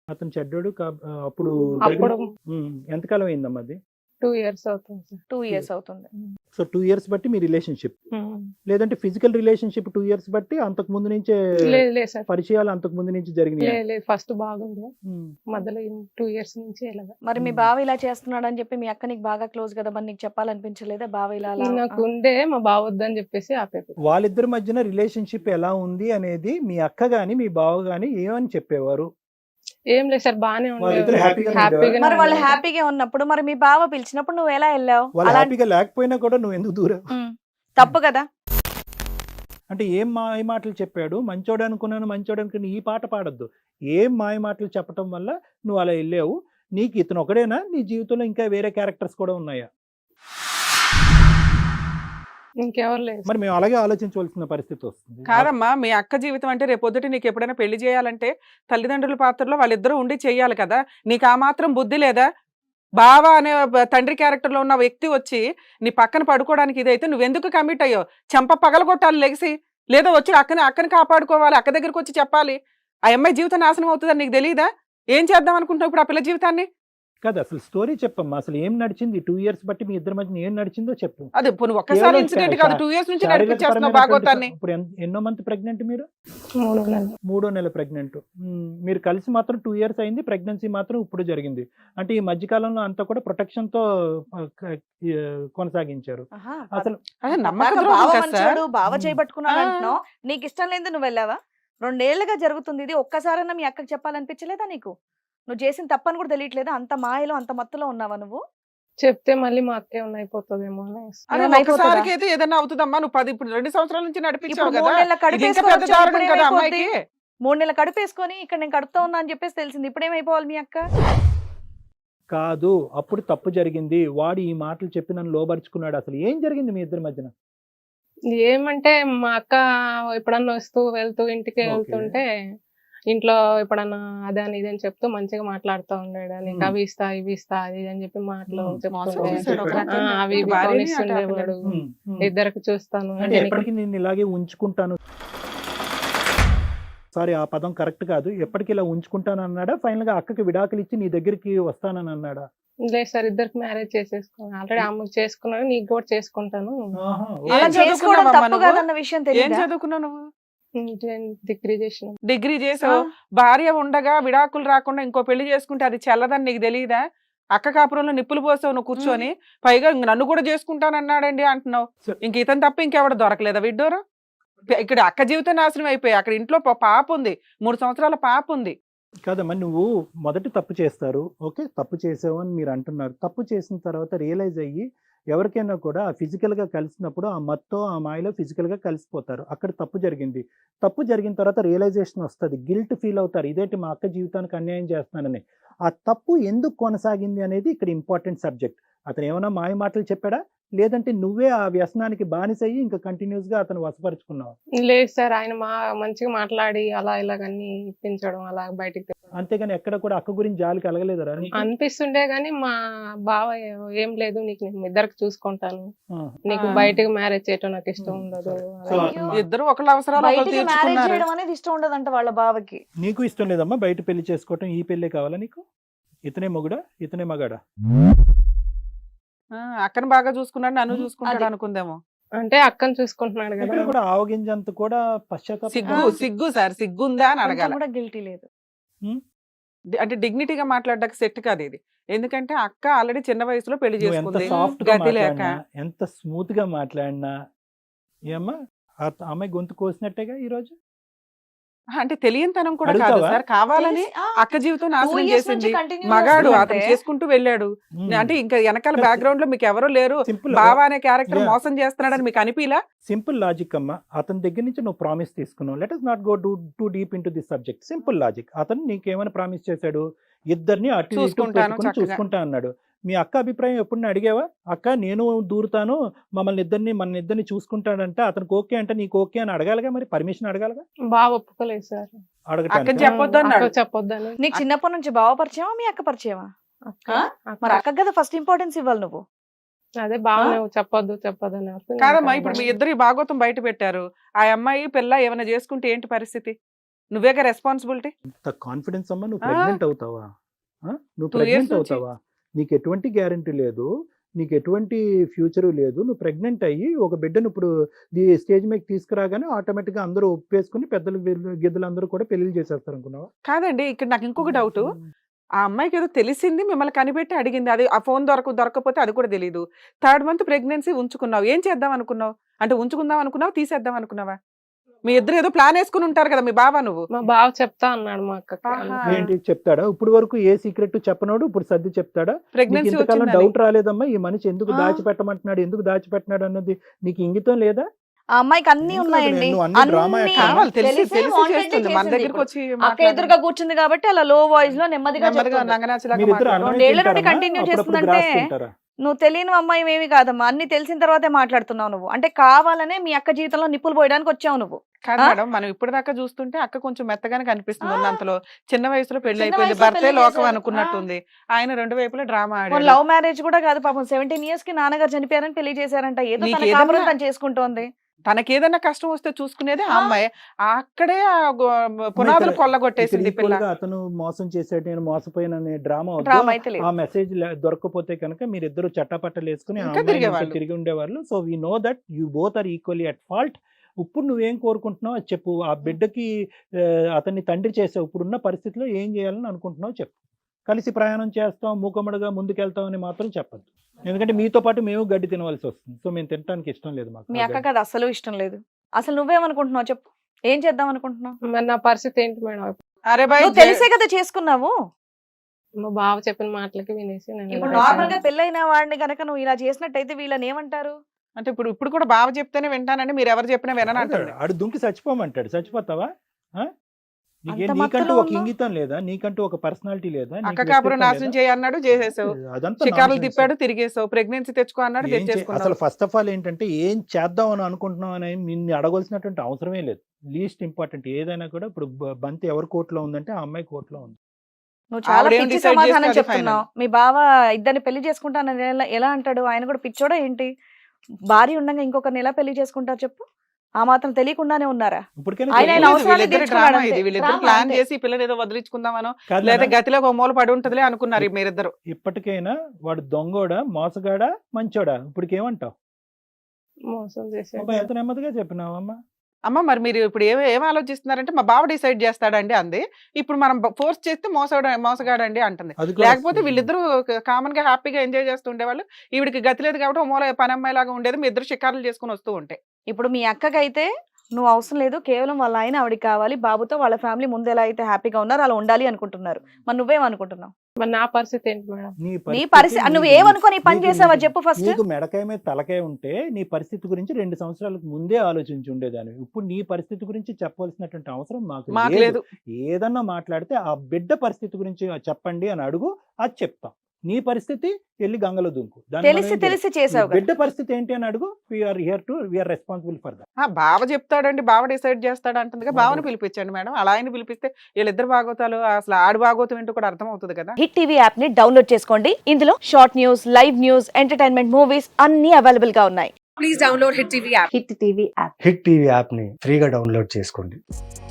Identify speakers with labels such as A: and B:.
A: అతను చెడ్డోడు అప్పుడు
B: అప్పుడు
A: ఎంతకాలం అయిందమ్మా అది?
B: 2 ఇయర్స్ అవుతుంది సార్.
C: 2 ఇయర్స్ అవుతుంది.
A: సో 2 ఇయర్స్ బట్టి మీ రిలేషన్షిప్, లేదంటే ఫిజికల్ రిలేషన్షిప్ 2 ఇయర్స్ బట్టి అంతకు ముందు నుంచే
B: లేదు లేదు సార్,
A: పరిచయాలు అంతకు ముందు నుంచి జరిగినాయి.
B: లేదు లేదు, ఫస్ట్ బాగుంది, మధ్యలో 2 ఇయర్స్ నుంచి ఇలాగా.
C: మరి మీ బావ ఇలా చేస్తున్నాడు అని చెప్పి మీ అక్క నీకు బాగా క్లోజ్ కదా, మరి నీకు చెప్పాలనిపించలేదా బావ ఇలా అలా?
B: నాకు ఉండే మా బావ వద్దని చెప్పేసి ఆపేది.
A: వాళ్ళిద్దరి మధ్యన రిలేషన్షిప్ ఎలా ఉంది అనేది మీ అక్క గాని మీ బావ గాని ఏమని చెప్పేవారు?
B: ఏం లేదు సార్, బానే
A: వాళ్ళిద్దరు
B: ఉండేది,
A: హ్యాపీగానే
B: హ్యాపీగా.
C: మరి వాళ్ళు హ్యాపీగా ఉన్నప్పుడు మరి మీ బావ పిలిచినప్పుడు నువ్వు ఎలా వెళ్ళావు?
A: వాళ్ళు
C: అలా
A: హ్యాపీగా లేకపోయినా కూడా నువ్వు ఎందుకు దూరం?
C: తప్పు కదా.
A: అంటే ఏం మాయ మాటలు చెప్పాడు? మంచోడు అనుకున్నాను, మంచోడు అనుకుని ఈ పాట పాడొద్దు. ఏం మాయ మాటలు చెప్పడం వల్ల నువ్వు అలా వెళ్ళావు? నీకు ఇతను ఒకడేనా? నీ జీవితంలో ఇంకా వేరే క్యారెక్టర్స్ కూడా ఉన్నాయా?
B: ఇంకెవరు లేదు.
A: మరి మేము అలాగే ఆలోచించవలసిన పరిస్థితి వస్తుంది.
D: కాదమ్మా, మీ అక్క జీవితం అంటే రేపొద్దుట నీకు ఎప్పుడైనా పెళ్లి చేయాలంటే తల్లిదండ్రుల పాత్రలో వాళ్ళిద్దరూ ఉండి చెయ్యాలి కదా. నీకు ఆ మాత్రం బుద్ధి లేదా? బావ అనే తండ్రి క్యారెక్టర్ లో ఉన్న వ్యక్తి వచ్చి నీ పక్కన పడుకోవడానికి ఇదైతే నువ్వెందుకు కమిట్ అయ్యో? చెంప పగలగొట్టాలి లెగిసి, లేదా వచ్చి అక్కని కాపాడుకోవాలి, అక్క దగ్గరికి వచ్చి చెప్పాలి. ఆ అమ్మాయి జీవితం నాశనం అవుతుందని నీకు తెలియదా? ఏం చేద్దాం అనుకుంటున్నావు ఇప్పుడు ఆ పిల్ల జీవితాన్ని?
A: కాదు, అసలు స్టోరీ చెప్పమ్మా. అసలు ఏం నడిచింది 2 ఇయర్స్ బట్టి మీ ఇద్దరి మధ్య ఏం నడిచిందో చెప్పు.
D: అదే ఒక్కసారి ఇన్సిడెంట్ కాదు, 2 ఇయర్స్ నుంచి నడిపించేస్తున్నావు భాగవతాన్ని.
A: ఇప్పుడు ఎన్నో మంత్ ప్రెగ్నెంట్ మీరు?
B: 3 నెలలు.
A: 3వ నెల ప్రెగ్నెంట్. మీరు కలిసి మాత్రం 2 ఇయర్స్ అయింది, ప్రెగ్నెన్సీ మాత్రం ఇప్పుడు జరిగింది. అంటే ఈ మధ్య కాలంలో అంతా కూడా ప్రొటెక్షన్ తో కొనసాగించారు. అసలు
C: బావ మంచోడు, బావ చేయబట్టుకున్నాడు అంటున్నావు. నీకు ఇష్టం లేదు నువ్వు వెళ్ళావా? 2 ఏళ్లుగా జరుగుతుంది ఇది. ఒక్కసారన్నా మీ అక్కకి చెప్పాలనిపించలేదా నీకు? నువ్వు చేసిన తప్పని కూడా తెలియట్లేదా? అంత మాయలో అంత మత్తులో ఉన్నావా నువ్వు?
B: చెప్తే మళ్ళీ మా అక్క ఏమన్నా అయిపోతుందేమో అనేసి.
D: అరే ఒక్కసారికి అయితే ఏదన్నా అవుతుందమ్మా. నువ్వు 2 సంవత్సరాల నుంచి నడిపించావు
C: ఇప్పుడు
D: కదా.
C: 3 నెలల కడుపు
D: ఇది ఇంకా
C: వేసుకొని
D: పెద్ద దారుణం
C: వచ్చాడు,
D: కదా
C: ఇప్పుడేమైపోద్ది?
D: అమ్మాయికి.
C: 3 నెలల కడుపు వేసుకొని ఇక్కడ నేను కడుపుతా ఉన్నా అని చెప్పేసి తెలిసింది, ఇప్పుడేమైపోవాలి మీ అక్క?
A: కాదు, అప్పుడు తప్పు జరిగింది. వాడు ఈ మాటలు చెప్పి నన్ను లోబరుచుకున్నాడు. అసలు ఏం జరిగింది మీ ఇద్దరి మధ్యన?
B: ఏమంటే మా అక్క ఎప్పుడన్నా వస్తూ వెళ్తూ ఇంటికి వెళ్తుంటే ఇంట్లో ఎప్పుడన్నా అదే అని ఇదని చెప్తూ మంచిగా మాట్లాడుతూ ఉండేడు. నీకు అవి ఇస్తా ఇవి ఇస్తా అది ఇది అని చెప్పి మాటలు చెప్తుండే. అవి ఇవి కొనిస్తుండేవాడు. ఇద్దరికి చూస్తాను
A: అంటే ఎప్పటికీ నేను ఇలాగే ఉంచుకుంటాను, సారీ ఆ పదం కరెక్ట్ కాదు, ఎప్పటికీ ఇలా ఉంచుకుంటాను అన్నాడా? ఫైనల్ గా అక్కకి విడాకులు ఇచ్చి నీ దగ్గరికి వస్తానని అన్నాడా?
B: లేదు సార్, ఇద్దరికి మ్యారేజ్ చేసేసుకున్నాను. ఆల్రెడీ అమ్మకి చేసుకున్నాను, నీకు కూడా చేసుకుంటాను.
C: అలా చేసుకోవడం తప్పు కాదన్న విషయం
D: ఏం
C: తెలియదా?
D: చదువుకున్నావు నువ్వు?
B: డిగ్రీ చేసిన.
D: డిగ్రీ చేసావు. భార్య ఉండగా విడాకులు రాకుండా ఇంకో పెళ్లి చేసుకుంటే అది చెల్లదని నీకు తెలియదా? అక్క కాపురంలో నిప్పులు పోసావు నువ్వు కూర్చొని. పైగా నన్ను కూడా చేసుకుంటానన్నాడండి అంటున్నావు. ఇంక ఇతను తప్ప ఇంకెవడ దొరకలేదా విడ్డోరు? ఇక్కడ అక్క జీవితం నాశనం అయిపోయి అక్కడ ఇంట్లో పాప ఉంది, 3 సంవత్సరాల పాప ఉంది.
A: కాదమ్మా, నువ్వు మొదటి తప్పు చేస్తారు, ఓకే, తప్పు చేసావు అని మీరు అంటున్నారు. తప్పు చేసిన తర్వాత రియలైజ్ అయ్యి ఎవరికైనా కూడా ఫిజికల్ గా కలిసినప్పుడు ఆ మత్తో ఆ మాయలో ఫిజికల్ గా కలిసిపోతారు. అక్కడ తప్పు జరిగింది. తప్పు జరిగిన తర్వాత రియలైజేషన్ వస్తుంది, గిల్ట్ ఫీల్ అవుతారు, ఇదేంటి మా అక్క జీవితానికి అన్యాయం చేస్తున్నానని. ఆ తప్పు ఎందుకు కొనసాగింది అనేది ఇక్కడ ఇంపార్టెంట్ సబ్జెక్ట్. అతను ఏమైనా మాయ మాటలు చెప్పాడా, లేదంటే నువ్వే ఆ వ్యసనానికి బానిసయ్యి ఇంకా కంటిన్యూస్ గా అతను వశపరుచుకున్నావు?
B: లేదు సార్, ఆయన మంచిగా మాట్లాడి అలా ఇలాగన్నీ ఇప్పించడం అలా బయటికి.
A: అంతేగాని ఎక్కడ కూడా అక్క గురించి జాలి కలగలేదరా?
B: అనిపిస్తుండే గానీ మా బావ ఏం లేదు, నీకు నేను ఇద్దరికి చూసుకుంటాను, నీకు బయటకు మ్యారేజ్ చేయటం నాకు ఇష్టం ఉండదు.
D: ఇద్దరు ఒకళ్ళ అవసరాలు ఒకళ్ళు
C: బయటికి మ్యారేజ్
D: తీర్చుకున్నారు.
C: చేయడం అనేది ఇష్టం ఉండదంట వాళ్ళ బావకి.
A: నీకు ఇష్టం లేదమ్మా బయట పెళ్లి చేసుకోవటం? ఈ పెళ్ళే కావాలా నీకు? ఇతనే మొగుడా ఇతనే మగాడా?
D: అక్కను బాగా చూసుకున్నాడు, నన్ను చూసుకుంటాడు అనుకుందేమో.
B: అంటే అక్కను చూసుకుంటున్నాడు
A: ఇక్కడ
B: కదా.
A: కూడా ఆవగింజంత కూడా పశ్చాత్తాపం.
D: సిగ్గు సార్, సిగ్గుందా అని
C: కొంచెం
D: అడగాలి.
C: కూడా గిల్టీ లేదు.
D: అంటే డిగ్నిటీగా మాట్లాడడానికి సెట్ కాదు ఇది. ఎందుకంటే అక్క ఆల్రెడీ చిన్న వయసులో పెళ్లి
A: నువ్వు ఎంత
D: చేసుకుంది,
A: సాఫ్ట్ గా
D: గతి లేక.
A: మాట్లాడినా, ఎంత స్మూత్ గా మాట్లాడినా ఏమ్మా ఆ అమ్మాయి గొంతు కోసినట్టేగా ఈ రోజు.
D: అంటే తెలియనితనం కూడా కాదు
A: అడుగుతావా?
D: సార్, కావాలని అక్క జీవితం నాశనం చేసింది. మగాడు అతను చేసుకుంటూ వెళ్ళాడు. అంటే ఇంకా వెనకాల బ్యాక్గ్రౌండ్ లో మీకు ఎవరో లేరు,
A: సింపుల్
D: బావా అనే క్యారెక్టర్ మోసం చేస్తున్నాడని మీకు అనిపిలా?
A: సింపుల్ లాజిక్ అమ్మా. అతని దగ్గర నుంచి నువ్వు ప్రామిస్ తీసుకున్నావు. Let us not go too deep into this subject. Simple logic. అతను నీకేమైనా ప్రామిస్ చేశాడు? ఇద్దరిని అటు ఇటు
D: చూసుకుంటాను
A: పెట్టుకుని
D: చక్కగా.
A: చూసుకుంటా అన్నాడు. మీ అక్క అభిప్రాయం ఎప్పుడు అడిగావా? అక్క నేను దూరుతాను, మన ఇద్దరిని చూసుకుంటాడంటే అతనికి ఓకే అంటే నీకు ఓకే అని అడగాలిగా, మరి పర్మిషన్ అడగాలిగా.
B: బాగా ఒప్పుకోలేదు సార్,
D: అక్కని
A: అడగటానికి
D: చెప్పొద్దు అన్నాడు.
B: అక్కకు చెప్పొద్దని.
C: నీకు చిన్నప్పటి నుంచి బావ పరిచయమా మీ అక్క పరిచయమా? మరి అక్క కదా ఫస్ట్ ఇంపార్టెన్స్ ఇవ్వాలి నువ్వు.
B: అదే బాగా నువ్వు చెప్పొద్దు చెప్పొద్దని.
D: కాదమ్మా, ఇప్పుడు మీ ఇద్దరు భాగవతం బయట పెట్టారు. ఆ అమ్మాయి పిల్ల ఏమైనా చేసుకుంటే ఏంటి పరిస్థితి? నువ్వేగా రెస్పాన్సిబిలిటీ.
A: ఇంత కాన్ఫిడెన్స్ అమ్మా, నువ్వు
D: ఆ.
A: ప్రెగ్నెంట్ అవుతావా? నువ్వు
D: 2 years
A: ప్రెగ్నెంట్
D: నుంచి.
A: అవుతావా? నీకు ఎటువంటి గ్యారంటీ లేదు, నీకు ఎటువంటి ఫ్యూచర్ లేదు. నువ్వు ప్రెగ్నెంట్ అయ్యి ఒక బిడ్డను ఇప్పుడు స్టేజ్ మీద తీసుకురాగానే ఆటోమేటిక్గా అందరూ ఒప్పేసుకుని పెద్దలు గిద్దలు అందరూ కూడా పెళ్లి చేసేస్తారు అనుకున్నావా?
D: కాదండి, ఇక్కడ నాకు ఇంకొక డౌట్. ఆ అమ్మాయికి ఏదో తెలిసింది, మిమ్మల్ని కనిపెట్టి అడిగింది, అది ఆ ఫోన్ దొరకపోతే అది కూడా తెలియదు. 3rd month ప్రెగ్నెన్సీ ఉంచుకున్నావు, ఏం చేద్దాం అనుకున్నావు? అంటే ఉంచుకుందాం అనుకున్నావు, తీసేద్దాం అనుకున్నావా? మీ ఇద్దరు ఏదో ప్లాన్ వేసుకుని ఉంటారు కదా, మీ బావ నువ్వు.
B: మా బావ చెప్తా అన్నాడు మా అక్కకి.
D: ఆహా.
A: ఏంటి చెప్తాడా? ఇప్పుడు వరకు ఏ సీక్రెట్ చెప్పనోడు ఇప్పుడు సర్ది చెప్తాడా? నీకు
D: ప్రెగ్నెన్సీ
A: ఇంతకాలం
D: వచ్చిందని.
A: డౌట్ రాలేదమ్మా ఈ మనిషి ఎందుకు
D: ఆ.
A: దాచిపెట్టమంటున్నాడు, ఎందుకు దాచిపెట్టినాడు అన్నది నీకు ఇంగితం లేదా?
C: ఆ అమ్మాయికి అన్ని
A: ఏం
C: ఉన్నాయండి,
A: కాదు, నువ్వు అన్ని డ్రామా
C: అన్ని
A: ఎక్కడ?
D: కావాలి, తెలిసి
C: తెలిసే
D: తెలిసి
C: wanted
D: చేస్తుంది. మన
C: చేసింది
D: దగ్గరికి
C: ఇప్పుడు.
D: వచ్చి
C: అక్క
D: మాట్లాడదు.
C: ఎదురుగా కూర్చుంది కాబట్టి అలా లో వాయిస్ లో నెమ్మదిగా
D: నెమ్మదిగా
C: చెప్తుంది.
D: నంగనాచిలాగా
A: మీరిద్దరు
D: మాట్లాడు.
A: అన్నమే
C: రెండేళ్ల నుండి
A: తింటారమ్మా?
C: కంటిన్యూ
A: అప్పుడప్పుడు
C: చేస్తుందంటే
A: గ్రాస్ తింటారా?
C: నువ్వు తెలియని అమ్మాయి ఏమి కాదమ్మా, అన్ని తెలిసిన తర్వాతే మాట్లాడుతున్నావు నువ్వు. అంటే కావాలనే మీ అక్క జీవితంలో నిప్పులు పోయడానికి వచ్చావు నువ్వు.
D: కాదు
C: ఆ?
D: మేడం, మనం ఇప్పటిదాకా చూస్తుంటే అక్క కొంచెం మెత్తగానే కనిపిస్తుంది.
C: ఆ.
D: ఉన్నంతలో చిన్న వయసులో పెళ్లి
C: చిన్న
D: అయిపోయింది,
C: వయసులో
D: భర్తే
C: పెళ్లి
D: లోకం
C: చేశారు.
D: అనుకున్నట్టుంది. ఆయన 2 వైపులా డ్రామా
C: మన
D: ఆడాడు.
C: లవ్ మ్యారేజ్ కూడా కాదు పాపం, 17 years కి నాన్నగారు చనిపోయారని పెళ్లి చేశారంట. ఏదో
D: నీకు
C: తన కాపురం
D: ఏదన్నా-
C: తను చేసుకుంటోంది.
D: తనకేదన్నా కష్టం వస్తే చూసుకునేది ఆ
C: ఆ.
D: అమ్మాయి. అక్కడే ఆ పునాదులు కొల్లగొట్టేసింది
A: ఇక్కడ
D: పిల్ల.
A: equal గా అతను మోసం చేశాడు, నేను మోసపోయిన డ్రామా
C: డ్రామా అయితే లేదు.
A: ఆ మెసేజ్ దొరకకపోతే కనుక మీరిద్దరు చట్టపట్టలు వేసుకుని ఆ
D: ఇంకా
A: అమ్మాయిని
D: తిరిగేవాళ్ళు.
A: ఇంకా తిరిగి ఉండేవాళ్ళు. So we know that you both are equally at fault. ఇప్పుడు నువ్వేం కోరుకుంటున్నావు అది చెప్పు. ఆ బిడ్డకి అతన్ని తండ్రి చేసావు, ఇప్పుడున్న పరిస్థితిలో ఏం చేయాలని అనుకుంటున్నావు చెప్పు. కలిసి ప్రయాణం చేస్తాం, మూకమ్మడిగా ముందుకెళ్తాం అని మాత్రం చెప్పద్దు. ఎందుకంటే మీతో పాటు మేము గడ్డి తినవలసి వస్తుంది. సో మేము తినడానికి ఇష్టం లేదు మాకు.
C: మీ అక్కకి అది అసలు ఇష్టం లేదు. అసలు నువ్వేమనుకుంటున్నావు చెప్పు, ఏం చేద్దాం అనుకుంటున్నావు?
B: మరి నా పరిస్థితి ఏంటి మేడం?
D: అరే బాయ్,
C: నువ్వు తెలిసే కదా చేసుకున్నావు.
B: మా బావ చెప్పిన మాటలకి వినేసి నేను
C: ఇప్పుడు
B: ఇలా
C: నార్మల్ గా
B: చేశాను.
C: పెళ్ళైన వాడిని గనక నువ్వు ఇలా చేసినట్టయితే వీళ్ళని ఏమంటారు?
D: అంటే ఇప్పుడు కూడా బావ చెప్తేనే వింటానండి, మీరు ఎవరు చెప్పినా వినని అంటాడు.
A: ఆడు దుంకి చచ్చిపోమంటాడు, చచ్చిపోతావా?
C: అంత
A: నీకంటూ
C: మత్తులో
A: ఒక
C: ఉన్నావు?
A: ఇంగితం లేదా? నీకంటూ ఒక పర్సనాలిటీ లేదా? నీకు
D: అక్క కాపురం
A: వ్యక్తిత్వం
D: నాశనం
A: లేదా?
D: చేయన్నాడు, చేసేసావు.
A: అదంతా
D: షికారులు
A: nonsense.
D: తిప్పాడు, తిరిగేసావు. ప్రెగ్నెన్సీ తెచ్చుకో అన్నాడు,
A: ఏం అసలు
D: తెచ్చేసుకున్నావు.
A: ఫస్ట్ ఆఫ్ ఆల్ ఏంటంటే ఏం చేద్దాం అని అనుకుంటున్నాం అని నిన్ను అడగాల్సినటువంటి అవసరమే లేదు. లీస్ట్ ఇంపార్టెంట్ ఏదైనా కూడా ఇప్పుడు బంతి ఎవరి కోర్టులో ఉందంటే ఆ అమ్మాయి కోర్టులో ఉంది.
C: నువ్వు చాలా
D: ఆవిడేం
C: పిచ్చి
D: decide
C: సమాధానం
D: చేస్తే అది
C: చెప్తున్నావు. మీ బావ ఇద్దరిని పెళ్లి చేసుకుంటానని ఎలా అంటాడు? ఆయన కూడా పిచ్చోడా ఏంటి? భార్య ఉండగా ఇంకొకరిని ఎలా పెళ్లి చేసుకుంటారు చెప్పు? ఆ మాత్రం తెలియకుండానే ఉన్నారా?
A: ఇప్పటికైనా
C: ఆయన
A: తెలియదు.
C: అవసరాన్ని
D: వీళ్ళిద్దరు
C: తీర్చుకున్నాడు
D: డ్రామా
C: అంతే.
D: ఇది. వీళ్ళిద్దరు
C: డ్రామా
D: ప్లాన్
C: అంతే.
D: చేసి ఈ పిల్లని ఏదో వదిలించుకుందామనో
A: కాదు
D: లేదా
A: నాన్న,
D: గతిలో ఒక మూల పడి ఉంటదిలే అనుకున్నారు మీరిద్దరు.
A: ఇప్పటికైనా వాడు దొంగోడా మోసగాడా మంచోడా ఇప్పటికేమంటావు?
B: మోసం చేశాడు.
A: అబ్బా, ఎంత నెమ్మదిగా చెప్పినావమ్మా.
D: అమ్మ మరి మీరు ఇప్పుడు ఏం ఆలోచిస్తున్నారంటే మా బావ డిసైడ్ చేస్తాడండి అంది. ఇప్పుడు మనం ఫోర్స్ చేస్తే మోసగాడండి అంటుంది.
A: అది కూడా
D: లేకపోతే వీళ్ళిద్దరూ కామన్ గా హ్యాపీగా ఎంజాయ్ చేస్తూ ఉండేవాళ్ళు. ఈవిడికి గతి లేదు కాబట్టి ఓ మూల పని అమ్మాయి లాగా ఉండేది. మీ ఇద్దరు షికారులు చేసుకుని వస్తూ ఉంటాయి.
C: ఇప్పుడు మీ అక్కకైతే నువ్వు అవసరం లేదు, కేవలం వాళ్ళ ఆయన ఆవిడకి కావాలి, బాబుతో వాళ్ళ ఫ్యామిలీ ముందు ఎలా అయితే హ్యాపీగా ఉన్నారో అలా ఉండాలి అనుకుంటున్నారు. మరి నువ్వేమనుకుంటున్నావు?
B: మరి నా పరిస్థితి ఏంటి మేడం?
C: నీ పరిస్థితి నువ్వు ఏమనుకోని పని చేసావా చెప్పు ఫస్ట్.
A: నీకు మెడకాయ మీద తలకాయ ఉంటే నీ పరిస్థితి గురించి 2 సంవత్సరాలకు ముందే ఆలోచించి ఉండేదాన్ని. ఇప్పుడు నీ పరిస్థితి గురించి చెప్పవలసినటువంటి అవసరం
D: మాకు
A: మాకు
D: లేదు.
A: ఏదన్నా మాట్లాడితే ఆ బిడ్డ పరిస్థితి గురించి చెప్పండి అని అడుగు, అది చెప్తాం. నీ పరిస్థితి వెళ్ళి గంగలో దుంకు. దాన్ని మనం
C: తెలిసి
A: ఏం
C: తెలిసి
A: చేయాలి?
C: చేసావు కదా.
A: బిడ్డ పరిస్థితి ఏంటి అని అడుగు. We are responsible for that.
D: బావ చెప్తాడండి, బావ డిసైడ్ చేస్తాడు అంటుంది. బావని పిలిపించండి మేడం. అలా ఆయన పిలిపిస్తే వీళ్ళిద్దరు బాగోతాలు అసలు ఆడు బాగోతం ఏంటో కూడా అర్థం అవుతుంది కదా.
C: హిట్ టీవీ యాప్ ని డౌన్లోడ్ చేసుకోండి. ఇందులో short news, live news, entertainment movies అన్ని అవైలబుల్ గా ఉన్నాయి.
E: హిట్ టీవీ యాప్ ని ఫ్రీగా డౌన్లోడ్ చేసుకోండి.